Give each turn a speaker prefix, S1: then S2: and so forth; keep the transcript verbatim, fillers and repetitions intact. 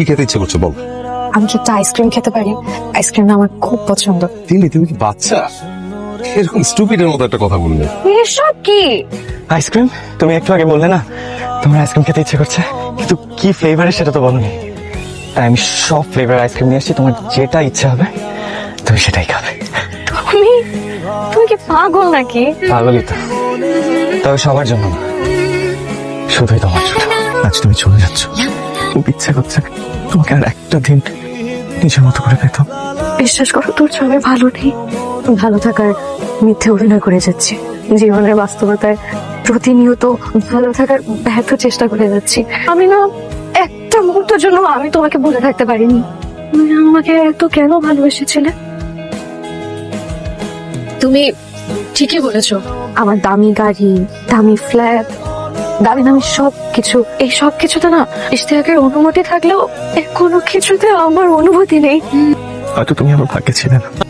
S1: কি খেতে ইচ্ছে করছে বল?
S2: আমি কি একটা আইসক্রিম খেতে পারি? আইসক্রিম আমার খুব পছন্দ।
S1: তিন্নি, তুমি কি বাচ্চা? এরকম স্টুপিডের মতো একটা কথা বললে।
S2: এসব কি?
S3: আইসক্রিম? তুমি একটু আগে বললে না তোমার আইসক্রিম খেতে ইচ্ছে করছে, কিন্তু কি ফ্লেভারের সেটা তো বলোনি। তাই আমি সব ফ্লেভার আইসক্রিম নিয়ে এসেছি, তোমার যেটা ইচ্ছা হবে তুমি সেটাই খাবে।
S2: তুমি তুমি কি পাগল নাকি?
S3: পাগলই তো, তবে সবার জন্য না, শুধুই তোমার জন্য। আজ তুমি চলে যাচ্ছ, খুব ইচ্ছে করছে তোমাকে আর একটা দিন নিজের মতো করে পেতাম।
S2: বিশ্বাস করো, তোর ছবি ভালো নেই। ভালো থাকার মিথ্যে অভিনয় করে যাচ্ছি, জীবনের বাস্তবতায় প্রতিনিয়ত ভালো থাকার ব্যর্থ চেষ্টা করে যাচ্ছি। আমি না একটা মুহূর্তের জন্য আমি তোমাকে বলে থাকতে পারিনি তুমি আমাকে এত কেন ভালোবেসেছিলে। তুমি ঠিকই বলেছো, আমার দামি গাড়ি, দামি ফ্ল্যাট, দামি দামি সব কিছু, এই সব কিছুতে না ইশতিয়াকের অনুমতি থাকলেও এর কোনো কিছুতে আমার অনুভূতি নেই।
S3: হয়তো তুমি আমার ভাগ্যে ছিলে না,